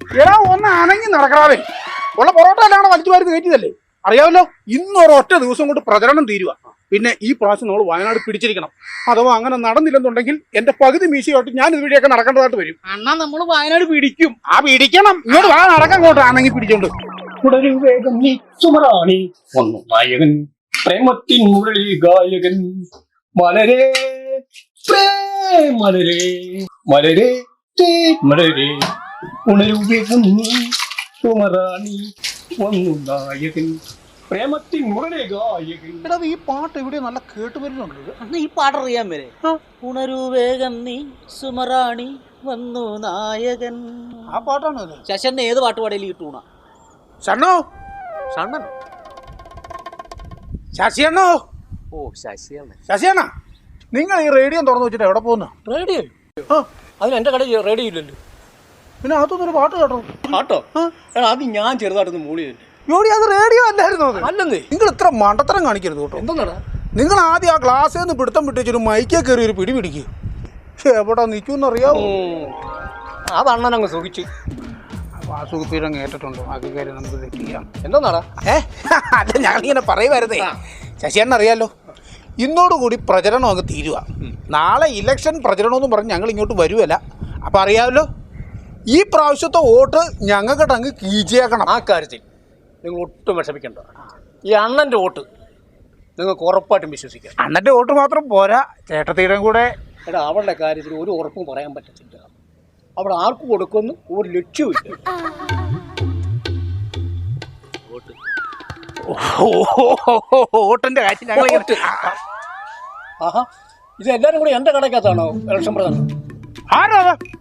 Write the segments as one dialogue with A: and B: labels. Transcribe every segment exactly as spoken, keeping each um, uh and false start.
A: എടാ ഒന്ന് അനങ്ങി നടക്കാവേ. ഉള്ള പൊറോട്ട എല്ലാം വലിച്ചു വാരി കയറ്റിയതല്ലേ, അറിയാമല്ലോ. ഇന്നൊരൊറ്റ ദിവസം കൊണ്ട് പ്രചരണം തീരുക. പിന്നെ ഈ പ്രാവശ്യം നമ്മൾ വയനാട് പിടിച്ചിരിക്കണം. അഥവാ അങ്ങനെ നടന്നില്ലെന്നുണ്ടെങ്കിൽ എന്റെ പകുതി മീശയായിട്ട് ഞാൻ ഇതുവഴിയൊക്കെ നടക്കേണ്ടതായിട്ട് വരും.
B: അണ്ണാ നമ്മൾ വയനാട് പിടിക്കും.
A: ആ പിടിക്കണം. ഇങ്ങോട്ട് വാ, നടക്കാൻ ഇങ്ങോട്ട് ആണെങ്കിൽ പിടിച്ചോണ്ട്.
C: വേഗം നീ സുമറാണി വന്നു നായകൻ പ്രേമത്തിൻ മുരളി ഗായകൻ മലരേ മലരേ മലരേ മലരേ ഉണരു വേഗം നീ സുമറാണി വന്നു നായകൻ പ്രേമത്തിൻ മുരളി ഗായകൻ.
A: എടാ ഈ പാട്ട് ഇവിടെ നല്ല കേട്ട് വരുന്നുണ്ട്.
B: അണ്ണാ ഈ പാട്ട് അറിയാൻ വരെ ഉണരു വേഗം നീ സുമറാണി വന്നു നായകൻ.
A: ആ പാട്ടാണ് അത്.
B: ശശന്റെ ഏത് പാട്ട് പാടിയാലും ഈ ടൂണ.
A: ഷണ്ണോ,
B: ഷണ്ണനോ?
A: ശശിയണ്ണോ.
B: ഓ ശശിയാണ്.
A: ശശിയണ്ണ, നിങ്ങൾ ഈ റേഡിയോ തുറന്നു വെച്ചിട്ട് എവിടെ പോകുന്നു?
C: റേഡിയോ? അതിന് എന്റെ കടയിൽ റേഡിയോ ഇല്ലല്ലോ.
A: പിന്നെ അതൊന്നൊരു പാട്ട് കേട്ടോ.
C: പാട്ടോ? എടാ അത് ഞാൻ ചെറുതായിട്ടൊന്ന് മൂളിയല്ലേ.
A: ജോഡി അത് റേഡിയോ അല്ലായിരുന്നു.
C: അല്ലെന്നേ.
A: നിങ്ങൾ ഇത്ര മണ്ടത്തരം കാണിക്കരുത് കേട്ടോ.
C: എന്താ
A: നിങ്ങൾ ആദ്യം ആ ഗ്ലാസ്സിൽ നിന്ന് പിടുത്തം പിടിച്ചൊരു മൈക്കേ കയറി ഒരു പിടി പിടിക്കുക. എവിടെ നിൽക്കുമെന്നറിയാവോ?
C: അത് അണ്ണനങ്ങ് സുഖിച്ചു.
A: വാസുകുപ്പീരം കേട്ടിട്ടുണ്ടോ? ബാക്കി കാര്യം നമുക്ക് തെറ്റിയാം.
C: എന്താടാ?
A: ഏ അല്ല, ഞങ്ങളിങ്ങനെ പറയുമായിരുന്നേ. ശശിയണ്ണ അറിയാലോ, ഇന്നോടുകൂടി പ്രചരണം അങ്ങ് തീരുക. നാളെ ഇലക്ഷൻ പ്രചരണമെന്ന് പറഞ്ഞ് ഞങ്ങൾ ഇങ്ങോട്ട് വരുമല്ല. അപ്പം അറിയാമല്ലോ, ഈ പ്രാവശ്യത്തെ വോട്ട് ഞങ്ങൾക്കിട്ട് അങ്ങ് കീച്ചേക്കണം.
C: ആ കാര്യത്തിൽ നിങ്ങൾ ഒട്ടും വിഷമിക്കണ്ട. ഈ അണ്ണന്റെ വോട്ട് നിങ്ങൾക്ക് ഉറപ്പായിട്ടും വിശ്വസിക്കാം.
A: അണ്ണൻ്റെ വോട്ട് മാത്രം പോരാ, ചേട്ടത്തീരം കൂടെ.
C: എടാ അവളുടെ കാര്യത്തിൽ ഒരു ഉറപ്പും പറയാൻ പറ്റത്തില്ല. അവിടെ ആർക്ക് കൊടുക്കുമെന്ന് ഒരു ലക്ഷ്യമില്ല.
A: വോട്ടിന്റെ കാര്യം ഞങ്ങൾ
C: ആഹാ, ഇത് എല്ലാരും കൂടി എന്റെ കടക്കകത്താണോ ഇലക്ഷൻ പ്രധാനം?
A: ആരോ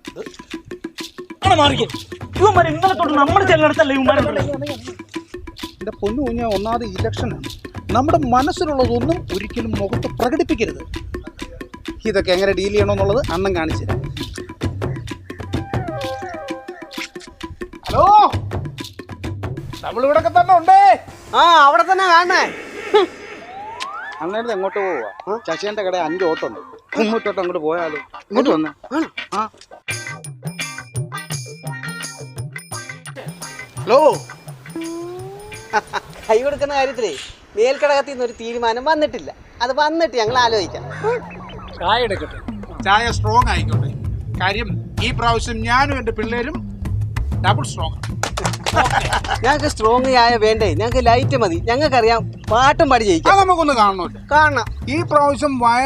B: ഇന്നലെ തൊട്ട് നമ്മൾ ചെല്ലടത്തല്ലേ
A: എന്റെ പൊന്നു കുഞ്ഞ, ഒന്നാമത് ഇലക്ഷനാണ്. നമ്മുടെ മനസ്സിലുള്ളതൊന്നും ഒരിക്കലും മുഖത്ത് പ്രകടിപ്പിക്കരുത്. ഇതൊക്കെ എങ്ങനെ ഡീൽ ചെയ്യണമെന്നുള്ളത് അണ്ണം കാണിച്ചു തരാം. ഹലോ, നമ്മളിവിടൊക്കെ തന്നെ ഉണ്ടേ.
B: ആ അവിടെ തന്നെ കാണണേ.
A: അന്നേരത്ത് എങ്ങോട്ട് പോവാ? ശശിന്റെ കട അഞ്ച് ഓട്ടുണ്ട്. ഇങ്ങോട്ടോട്ട് അങ്ങോട്ട് പോയാലോ? ഇങ്ങോട്ട് വന്നേ. ആ ഹലോ,
D: കൈ കൊടുക്കുന്ന കാര്യത്തിലേ മേൽക്കടകത്തിൽ നിന്ന് ഒരു തീരുമാനം വന്നിട്ടില്ല. അത് വന്നിട്ട് ഞങ്ങൾ ആലോചിക്കാം.
C: ചായ എടുക്കട്ടെ.
A: ചായ സ്ട്രോങ് ആയിക്കോട്ടെ. കാര്യം ഈ പ്രാവശ്യം ഞാനും എൻ്റെ പിള്ളേരും ഡബിൾ സ്ട്രോങ്.
D: ഞങ്ങൾക്ക് സ്ട്രോങ് ചായ വേണ്ടേ, ഞങ്ങൾക്ക് ലൈറ്റ് മതി. ഞങ്ങൾക്കറിയാം പാട്ടും പാടി ജയിക്കാം.
A: നമുക്കൊന്ന് കാണണമല്ലോ.
D: കാണണം.
A: ഈ പ്രാവശ്യം